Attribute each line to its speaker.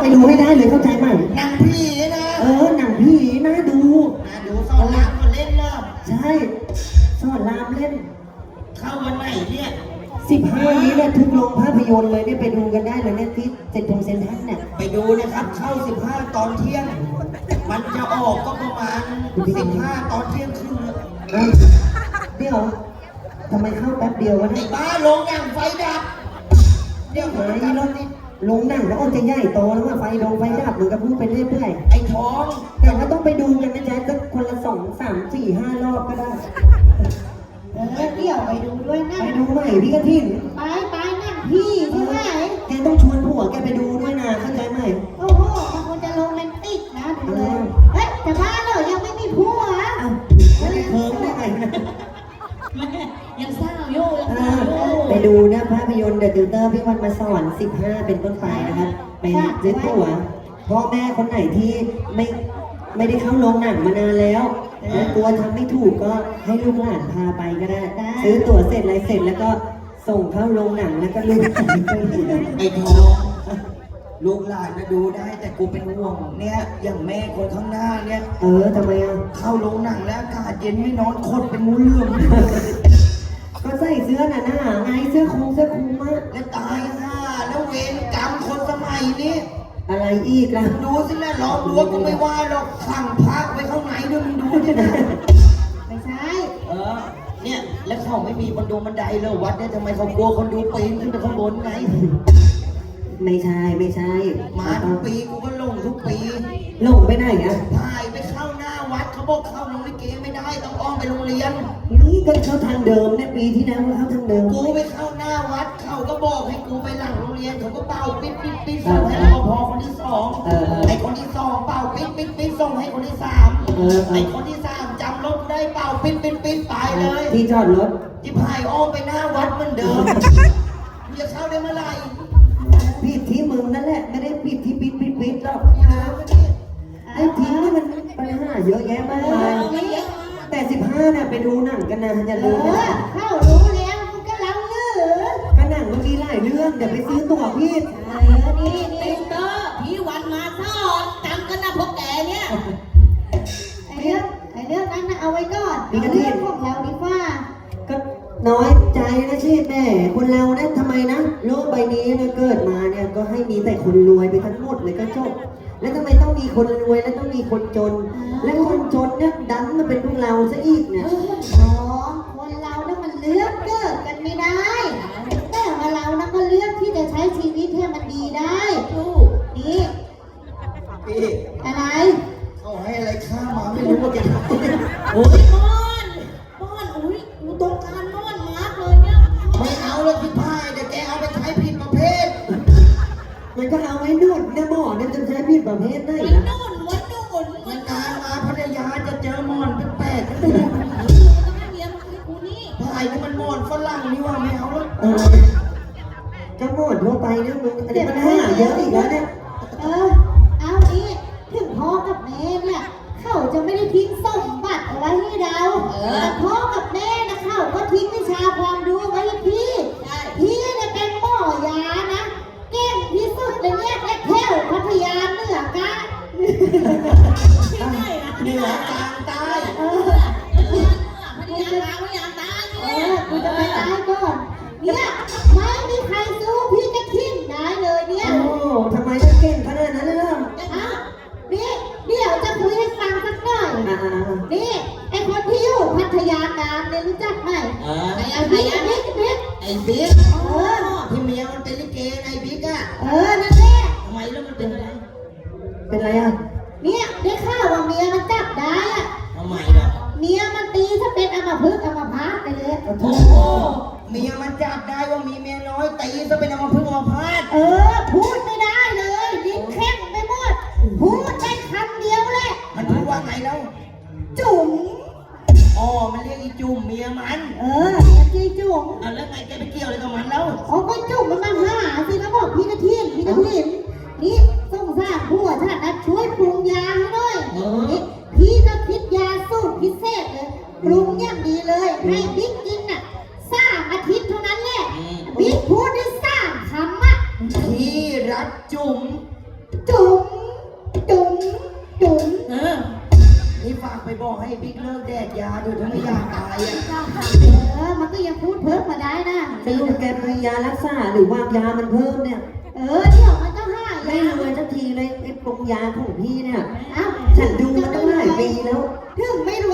Speaker 1: ดูให้ได้เลยเข้าใจไหม
Speaker 2: หนังผีนะ
Speaker 1: หนังผีน่าดู
Speaker 2: สอนรามก็เล่นเริ่ม
Speaker 1: ใช่สอนรามเล่น
Speaker 2: เข้าวันไหนเนี่ย
Speaker 1: 15นี้เนี่ยทุกโรงภาพยนตร์เลยเนี่ยไปดูกันได้เลยเนี่ยที่เซ็นทรัลเนี่ย
Speaker 2: ไปดูนะครับเข้า15ตอนเที่ยงมันจะออกก็ประมาณ15ตอนเที่ยงครึ่ง
Speaker 1: เดี๋ยวทำไมเข้าแป๊บเดียววะ
Speaker 2: ไอ้
Speaker 1: เนี่ย
Speaker 2: บ้าลงอย่างไฟดับเดี๋ยว
Speaker 1: ไอ้รถลงหนังแล้วจะใหญ่โตแล้วว่าไฟดับเหมือนกับพูดไปเรื่อย
Speaker 2: ไอ้ท้อง
Speaker 1: แต่ว่าต้องไปดูกันนะจ๊ะก็คนละ2 3 4 5 รอบก็ได้
Speaker 3: เดี๋ยวไปดูด้วยนะ
Speaker 1: ไปดูใหม่พี่กระถิ่น
Speaker 3: ไปนั่งพี่ใช่ไหม
Speaker 1: แกต้องชวนผัวแกไปดูด้วยนะเข้าใจไหม
Speaker 3: โอ้โหมันควรจะโรแมนติกนะดูเลยเฮ้ยแต่บ้านเรายังไม่มีผัว
Speaker 1: ไม่ได้เคิร์มได้ไงนะ
Speaker 3: ยังสร้างโย่
Speaker 1: ไปดูนะภาพยนตร์เดอะติวเตอร์พี่วันมาสอน15เป็นต้นไปนะครับไปซื้อตั๋วพ่อแม่คนไหนที่ไม่ได้เข้าโรงหนังมานานแล้วกลัวทำไม่ถูกก็ให้ลูกหลานพาไปก็ได้ซื้อตั๋วเสร็จอะไรเสร็จแล้วก็ส่งเข้าโรงหนังแล้วก็ลูกหลานไปดู
Speaker 2: ไอ้ทองลูกหลานนะดูได้แต่กูเป็นห่วงเนี่ยอย่างแม่คนข้างหน้าเนี่ย
Speaker 1: ทำไม
Speaker 2: เข้าโรงหนังแล้วอากาศเย็นไม่นอนคดเป็นงูเหลือม
Speaker 1: ก็ใส่เสื้อหนาไงเสื้อคลุมมาก
Speaker 2: แล้วตายห่าแล้วเวรกรรมคนสมัยนี้
Speaker 1: อะไรอีกล่ะ
Speaker 2: ดูสินะล้อมรั้วก็ไม่ว่าหรอกขังพักไว้ข้างในด้วยมึงดูดินะ
Speaker 3: ไม่ใช่
Speaker 2: เนี่ยแล้วเขาไม่มีบันไดเลยวัดเนี่ยทำไมเขากลัวคนดูปีนขึ้นไปข้างบนไง
Speaker 1: ไม่ใช่
Speaker 2: มาทุกปีกูก็ลงทุกปี
Speaker 1: ลงไปไหน
Speaker 2: ถ่ายไปเข้าหน้าวัดเขาบอกเข้าโรงลิเกไม่ได้ต้องอ้อมไปโรงเรียน
Speaker 1: นี่ก็เข้าทางเดิมเนี่ยปีที่แล้วเข้าทางเดิม
Speaker 2: กูไปเข้าหน้าวัดเขาก็บอกให้กูไปหลังโรงเรียนเขาก็เป่าปิ๊ดส่งให้รปภคนที่2ไอ้คนที่2เป่าปิ๊ดส่งให้คนที่3ไอ้คนที่3จำรถได้เป่าปิ๊ดไปเลย
Speaker 1: ที่จอดรถ
Speaker 2: ที่พายอ้อมไปหน้าวัดเหมือนเดิมจะเข้าได้เมื่อไหร่
Speaker 1: ผิดที่มึงนั่นแหละไม่ได้ผิดที่ปิดหรอกไอ้ทีนี่มันปัญหาเยอะแยะมากมายแต่15เนี่ยไปดูหนังกันนะอย่าลืม
Speaker 3: เข้ารู้แล้วมันก็เล่าเรื่อง
Speaker 1: ก็หนังมันมีหลายเรื่องเดี๋ยวไปซื้อตั๋วพี่
Speaker 3: นี่เตอร์พี่วันมาสอนจำกันนะพวกแกเนี่ยไอ้เรื่องนั้นนะเอาไว้ก่อนเรื่องของเราดีกว่า
Speaker 1: ก็น้อยใจนะชีแม่คนเรานะทำไมนะโลกใบนี้นะเกิดมาเนี่ยก็ให้มีแต่คนรวยไปทั้งหมดเลยก็จบแล้วทำไมต้องมีคนรวยแล้วต้องมีคนจนและคนจนเนี่ยดันมาเป็นพวกเราซะอีกเนี่ย
Speaker 3: คนเราเนี่ยมันเลือกเกิดกันไม่ได้แต่ว่าเรานะก็เลือกที่จะใช้ชีวิตให้มันดีได้นี่อะไร
Speaker 2: เขาให้อะไรข้ามาไม่รู้ว่าแก
Speaker 3: โอ้ยม่อนอุ้ยกูต้องการม่อนมากเลยเนี่ย
Speaker 2: ไม่เอาแล้วที่พายแต่แกเอาไปใช้ผิดประเภท
Speaker 1: มันก็เอาไว้นวดนะหมอเนี่ยจะใช้ผิดประเภทได้
Speaker 3: นะ
Speaker 2: มันการมาพัทยาจะเจอหมอนแปลกๆกัน
Speaker 3: เลย
Speaker 2: พายนี่มันหมอนฝรั่งนี่ว่าไม่เอาแล้ว
Speaker 1: ก็หมอนทั่วไปเนี่ยมึงอันนี้มันหาเยอะอีกแล้วเนี่ย
Speaker 3: เอานี้ถึงพ่อกับแม่เนี่ยเขาจะไม่ได้ทิ้งสมบัติเอาไว้ให้เราแต่พ่อกับแม่นะเขาก็ทิ้งวิชาความรู้ไว้ให้พี่เนี่ยเป็นหมอยานะเก่งที่สุดเลยเนี่ยและแถวพัทยาเหนือกะ
Speaker 2: เหนือกลางใต้
Speaker 3: พัทยากลางพัทยาใต้กูจะไปตายก่อนเนี่ยไม่มีใครสู้พี่จะทิ้งได้เลยเนี่ย
Speaker 1: โอ้ทำไมจะเก่งขนาดนั้นล่ะ
Speaker 3: นี่เดี๋ยวจะคุยให้ฟังสักหน่อยนี่ไอคนที่อยู่พัทยากลางเนี่ยรู้จักไหม
Speaker 2: ไอ้
Speaker 3: บิ๊ก
Speaker 2: ที่เมียมันเป็นลิเกไอ้บิ๊ก
Speaker 3: นั่นแหละ
Speaker 2: ทำไมแล้วมันเป็นอะไร
Speaker 3: เนี่ยได้ข่าวว่าเมียมันจับได้
Speaker 2: ทำไมล่ะ
Speaker 3: เมียมันตีถ้าเป็นอัมพฤกษ์อัมพาตไปเลย
Speaker 2: โอ้โหเมียมันจับได้ว่ามีเมียน้อยตีถ้าเป็นอัมพฤกษ์อัมพาต
Speaker 3: พูดไม่ได้เลยลิ้นแข็งไปหมดพูดได้คำเดียวแหละ
Speaker 2: มันพูดว่าไงแล้ว
Speaker 3: จุ๋ม
Speaker 2: มันเรียกอีจุ่มเมียมัน
Speaker 3: จีจุ๋ม
Speaker 2: แล้วไงแกไปเกี่ยวอะไรกับมันแล้ว
Speaker 3: ก็จุ๋มมันมาหาสินะบอกพี่กระถิ่นนี่ส่งสร้างผัวท่านนะช่วยปรุงยาให้หน่อยพี่ก็คิดยาสูตรพิเศษเลยปรุงอย่างดีเลยให้บิ๊กกิน3 อาทิตย์เท่านั้นแหละบิ๊กพูดได้3 คำ
Speaker 2: ที่รักไปบอกให้บิ๊กเลิกแดกยาด้วยถ้าไม่อยากตายอ่ะ
Speaker 3: มันก็ยังพูดเพิ่มมาได้นะ
Speaker 1: จะลูกแกมียารักษาหรือว่ายามันเพิ่มเนี่ย
Speaker 3: เดี๋ยวมันต้องหาย
Speaker 1: ไม่รวยสักทีเลยไอ้ปรุงยาของพี่เนี่ย
Speaker 3: เอ้า
Speaker 1: ฉันดูมาตั้งหลายปีแล้ว
Speaker 3: ถึงไม่ร